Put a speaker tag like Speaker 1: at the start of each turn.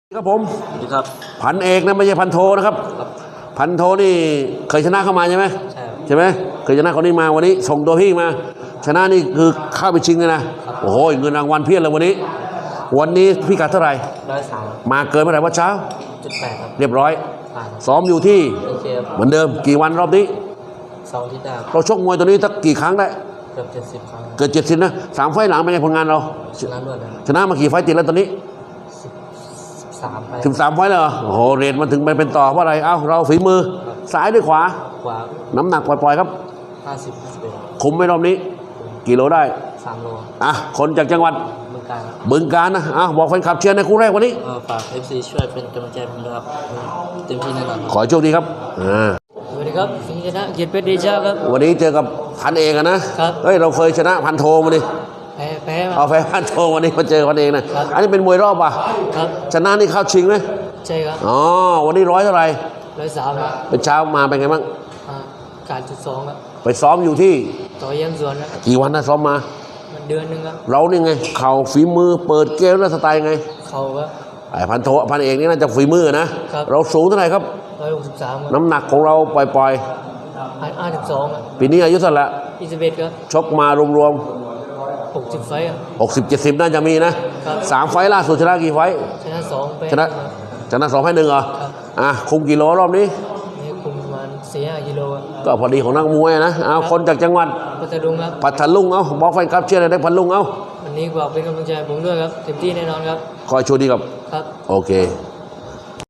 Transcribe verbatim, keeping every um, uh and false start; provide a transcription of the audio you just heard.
Speaker 1: ครับผม
Speaker 2: ครับ
Speaker 1: พันเอกนะไม่ใช่พันโทนะครับพันโทนี่เคยชนะเข้ามาใช่ไหม
Speaker 2: ใช่
Speaker 1: ใช่ไหมเคยชนะคนนี้มาวันนี้ส่งตัวพี่มา ชนะนี่คือเข้าไปชิงเลยนะโอ้โหเงินรางวัลเพียบเลยวันนี้ วันนี้พี่กัดเท่าไหร่
Speaker 2: ร้อยสาม
Speaker 1: มาเกินเมื่อไหร่ว่าเช้า
Speaker 2: จุดแปดครับ
Speaker 1: เรียบร้อย
Speaker 2: ผ่าน
Speaker 1: ซ้อมอยู่ที่
Speaker 2: โอเคครับ
Speaker 1: เหมือนเดิมกี่วันรอบนี้
Speaker 2: สองที่ได้
Speaker 1: เราชกมวยตัวนี้สักกี่ครั้งได้
Speaker 2: เกือบเจ็ดสิบครั้ง
Speaker 1: เกิดเจ็ดสิบนะสามไฟล์หลังเป็นไงผลงานเรา
Speaker 2: ชนะรวดเลย
Speaker 1: ชนะมากี่ไฟล์ติดแล้วตอนนี้
Speaker 2: สามไป
Speaker 1: ถึงสามไฟล์เลยเหรอโอ้โหเรทมันถึงไปเป็นต่อเพราะอะไรเอ้าเราฝีมือซ้ายด้วยขวา
Speaker 2: ขวา
Speaker 1: น้ำหนักปล่อยๆครับ
Speaker 2: ห้าสิบห้าสิบเอ็ด
Speaker 1: คุมไม่รอบนี้กี่โลได้
Speaker 2: สามโล
Speaker 1: อ่ะคนจากจังหวัด
Speaker 2: เมืองการ
Speaker 1: บึงการนะอ่ะบอกแฟนคลับเชียร์ในคู่แรกวันนี้
Speaker 2: ฝากเอฟซีช่วยเป็นกำลังใจผมด้วยครับเต็มที่แน่นอน
Speaker 1: ขอโชคดีครับอ่า
Speaker 2: สวัสดีครับสิงห์ชนะเกียรติเพชรเดชาครับ
Speaker 1: วันนี้เจอกับพันเอกนะครับเฮ้ยเราเคยชนะพันโทมาดิ
Speaker 2: แพ้แพ้
Speaker 1: เอาแพ้พันโทวันนี้มาเจอพันเอกนะอันนี้เป็นมวยรอบป่ะ
Speaker 2: ครับ
Speaker 1: ชนะนี่เข้าชิงไหม
Speaker 2: ใช่ครับ
Speaker 1: อ๋อวันนี้ร้อยเท่าไหร่
Speaker 2: ร้อยสามครับ
Speaker 1: เป็นเช้ามาเป็นไงบ้าง
Speaker 2: การจุดสองครับ
Speaker 1: ไปซ้อมอยู่ที่
Speaker 2: ต่อเยี่ยมสวนครับ
Speaker 1: กี่วันนะซ้อมมา
Speaker 2: เดือนหนึ่งครับ
Speaker 1: เรานี่ไงเข่าฝีมือเปิดเกมแล้วสไตล์ไง
Speaker 2: เข่าครับ
Speaker 1: ไอ้พันโทพันเอกนี่น่าจะฝีมือนะเราสูงเท่าไหร่ครับ
Speaker 2: ร้อยหกสิบสาม
Speaker 1: น้ำหนักของเราปล่อย
Speaker 2: ๆห้าสิบสอง
Speaker 1: ปีนี้อายุเท่าไหร่ละ
Speaker 2: ยี่สิบเอ็ดครับ
Speaker 1: ชกมารวม
Speaker 2: ๆหกสิบไฟครับ
Speaker 1: หกสิบเจ็ดสิบน่าจะมีนะสามไฟล่าสุดชนะกี่ไฟ
Speaker 2: ชนะสองไป
Speaker 1: ชนะชนะสองให้หนึ่งเหรออ่ะคุมกิโลรอบนี้
Speaker 2: นี่คุมประมาณสี่ห้ากิโล
Speaker 1: ก็พอดีของนักมวยนะเอาคนจากจังหวัด
Speaker 2: พัทลุงครับ
Speaker 1: พัทลุงเอาบอกแฟนครับเชื่ออะไรได้พัทลุงเอา
Speaker 2: วันนี้บอกเป็นกำลังใจผมด้วยครับเต็มที่แน่นอนครับ
Speaker 1: คอยโชว์ดีกับ
Speaker 2: ครับ
Speaker 1: โอเค